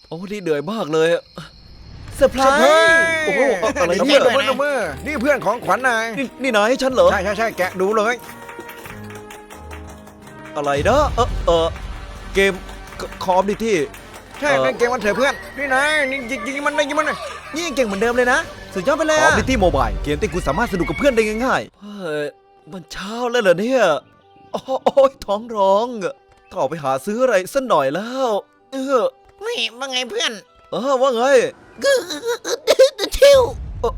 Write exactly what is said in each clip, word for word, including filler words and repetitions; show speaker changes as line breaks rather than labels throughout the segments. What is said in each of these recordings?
โอ้นี่เหนื่อยมากเลยเซอร์ไพรส์โอ้โหอะไร
มื
เนี่ย
อมือมือนี่เพื่อนของขวัญนาย
นี่นี่นายให้ฉันเหรอ
ใช่ใช่ใช่แกะดูเลย
อะไรนะเออเออเกมคอมดิที่
ใช่เล่นเกมมันเถอะเพื่อนนี่นายนี่ยิงยิงมันได้ยิงมันเลย
นี่ยังเก่งเหมือนเดิมเลยนะสุดยอดไปเลย
คอม
อะ
ดิที่โมบายเกมที่คุณสามารถสนุกกับเพื่อนได้ง่ายๆเฮ้ยมันเช้าแล้วเหรอเนี่ยโอ้ยท้องร้องต้องออกไปหาซื้ออะไรสักหน่อยแล้วเออ
นี่ว่าไงเพื่อน
เออว่าไง
ชิว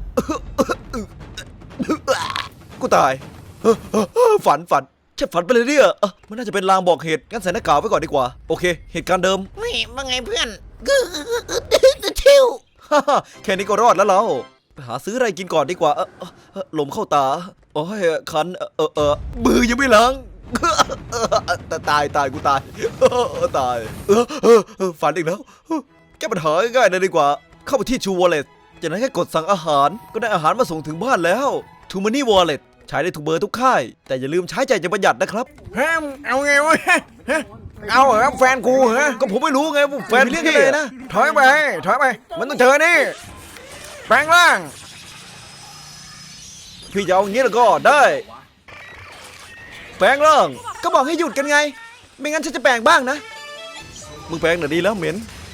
กูตายเฮ้อเฮ้อเฮ้อฝันฝันฉันฝันไปเลยเนี่ยเอ้อมันน่าจะเป็นลางบอกเหตุงั้นใส่หน้ากากไว้ก่อนดีกว่าโอเคเหตุการณ์เดิม
นี่ว่าไงเพื่อนชิว
ฮ่าฮ่าแค่นี้ก็รอดแล้วเราไปหาซื้ออะไรกินก่อนดีกว่าเออเออเออลมเข้าตาโอ้ยคันเออเออเออมือยังไม่ล้างเออแต่ตายตายกูตายเออตายเออเออเออฝันอีกแล้วแก้ปัญหาง่ายๆเลยดีกว่า เข้าไปที่ชูวอลเล็ตจากนั้นแค่กดสั่งอาหารก็ได้อาหารมาส่งถึงบ้านแล้วทูมันนี่วอลเล็ตใช้ได้ทุกเบอร์ทุกค่ายแต่อย่าลืมใช้ใจจะประหยัดนะครับ
ฮะเอาไงวะฮะเอาเหรอแฟนกูเหรอ
ก็ผมไม่รู้ไงว่าแฟน
เรียกกันเลยนะ
ถอยไปถอยไปมันต้องเจอนี่แปลงร่าง
พี่จะเอาอย่างนี้แล้วก็ได้แปลงร่าง
ก็บอกให้หยุดกันไง ไม่งั้นฉันจะแปลงบ้างนะ
มึงแปลงหน่อยดีแล้วเหม็น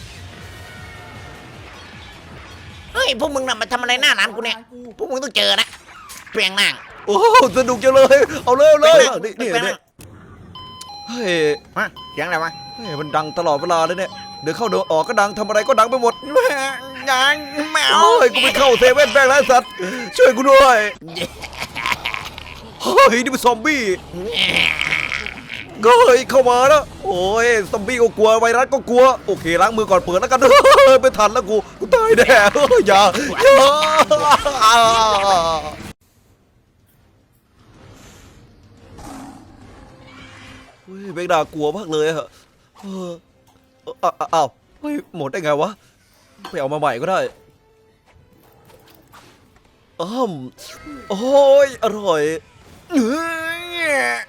เฮ้ยพวกมึงน่ะมาทำอะไรหน้าร้านกูเนี่ยพวกมึงต้องเจอนะเปลี่ยงนั่ง
โอ้สนุกจังเลยเอาเลยเอาเลย
แปลงร่าง
นี่นี่
แปลงร่าง
นี่เฮ้ย
มาเสียงอะไรวะ
เฮ้ยมันดังตลอดเวลาเลยเนี่ยเดินเข้าเดินออกก็ดังทำอะไรก็ดังไปหมด
ยังไม่เอา
โอ้ยกูไปเข้าเซเว่นแบงค์แล้วสัตว์ช่วยกูด้วยเฮ้ยนี่เป็นซอมบี้ก็เฮ้ยเข้ามาแล้วโอ้ยซอมบี้ก็กลัวไวรัสก็กลัวโอเคล้างมือก่อนเปิดแล้วกันเฮ้ยไม่ทันแล้วกูกูตายแน่เฮ้ยอย่าอย่าเฮ้ยเบกดากลัวมากเลยอะเออเอ้าอ้าวเฮ้ยหมดได้ไงวะไปเอามาใหม่ก็ได้อ้อมโอ้ยอร่อยเฮ้ย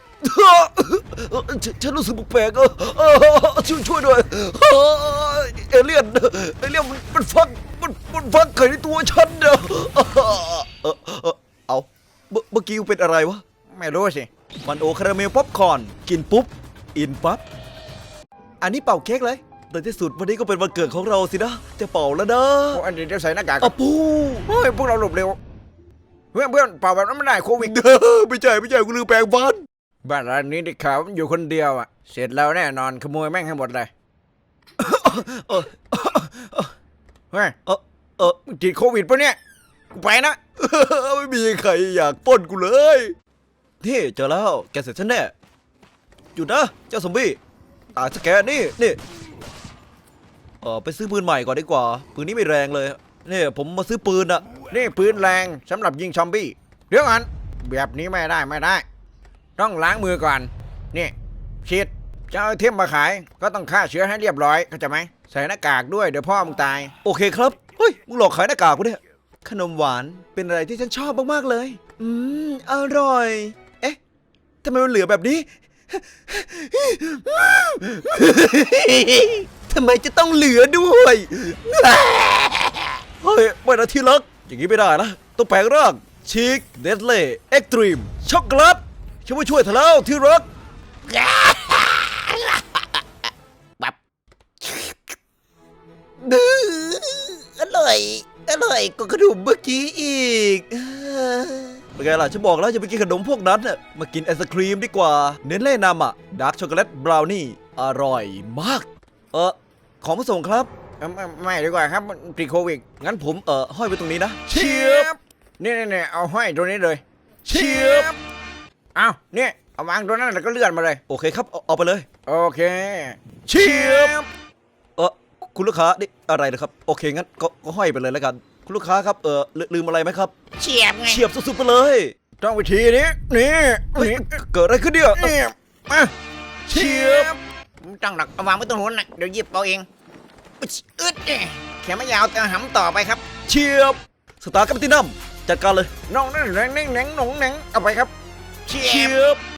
ฉฉันรู้สึกแปลกๆเออเออช่วยช่วยด้วยเฮ้ยเอเลี่ยนเอเลี่ยนมันมันฟักมันมันฟักไข่ในตัวฉันเนอะเออเออเออเอาเมื่อเมื่อกี้เป็นอะไรวะ
ไม่รู้สิ
มันโอคาราเมลป๊อปคอร์นกินปุ๊บอินปั๊บ
อันนี้เป่าเค้กเลย
ในที่สุดวันนี้ก็เป็นวันเกิดของเราสินะจะเป่าแล้วนะ
โอ้อันนี้เดี๋ยวใส่หน้ากากก่
อะ
อน
ปู
เฮ้ยพวกเราหลบเร็วเพื่อนเพื่อนเป่าแบบนั้นไม่ได้โควิด
เด้อไม่ใช่ไม่ใช่กูลืมแปลงฟัน
บ้านร้านนี้ได้ข่าวมันอยู่คนเดียวอ่ะเสร็จแล้วแน่นอนขโมยแม่งให้หมดเลย
เออ
เฮ้ย
เออเออ
มึงติดโควิดปะเนี่ยกูไปนะ
ไม่มีใครอยากปล้นกูเลยนี่เจอแล้วแกเสร็จฉันแน่หยุดนะเจ้าซอมบี้ตายสแกนนี่นี่เออไปซื้อปืนใหม่ก่อนดีกว่าปืนนี้ไม่แรงเลยนี่ผมมาซื้อปืนอะ
นี่ปืนแรงสำหรับยิงซอมบี้เดี๋ยวก่อนแบบนี้ไม่ได้ไม่ได้ ต้องล้างมือก่อนนี่ฉีดจะเอาไอเทมมาขายก็ต้องฆ่าเชื้อให้เรียบร้อยเข้าใจไหมใส่หน้ากากด้วยเดี๋ยวพ่อมึงตาย
โอเคครับเฮ้ยมึงหลอกขายหน้ากากกูเนี่ย
ขนมหวานเป็นอะไรที่ฉันชอบมากๆเลย อืมอร่อย เอ๊ะทำไมมันเหลือแบบนี้ ทำไมจะต้องเหลือด้วย
เฮ้ยไม่นะที่รักอย่างนี้ไม่ได้นะต้องแปลงร่างชิคเดสเล่เอ็กตรีมช็อกโกแลตฉันมาช่วยเธอแล้วที่รัก
แบบดื้ออร่อยอร่อยกว่าขนมเมื่อกี้อีก
เป็นไงล่ะฉันบอกแล้วอย่าไปกินขนมพวกนั้นน่ะมากินไอศครีมดีกว่า เน้นเล่นำอ่ะดาร์กช็อกโกแลตบราวนี่อร่อยมาก เออของมาส่งครับ
เอ้าไม่ไม่ดีกว่าครับมันติดโควิด
งั้นผมเออห้อยไว้ตรงนี้นะ
เชียบนี่นี่นี่เอาห้อยตัวนี้เลย
เชียบ
เอาเนี่ยเอาวางตัวนั้นแล้วก็เลื่อนมาเลย
โอเคครับเอาเอาไปเลย
โอเค
เชียบ เออคุณลูกค้านี่อะไรนะครับโอเคงั้นก็ก็ห้อยไปเลยแล้วกัน คุณลูกค้าครับเออลืลืมอะไรไหมครับ
เฉียบไง
เฉียบสุดๆไปเลย
ต้องวิธีนี้นี่
เฮ้ย
นี่
เกิดอะไรขึ้นเนี่ย
นี่มา
เชียบ
ไม่ต้องหรอกเอาวางไว้ตรงนู้นนะเดี๋ยวหยิบเอาเองอึดอึดเนี่ยแขนไม่ยาวแต่หำต่อไปครับ
เชียบสตาร์กัปตินัมจัดการเลย
น้องนั่นแหน่งแหน่งหนงแหน่งเอาไปครับ
เฉี
เชี
ยบ
ยบ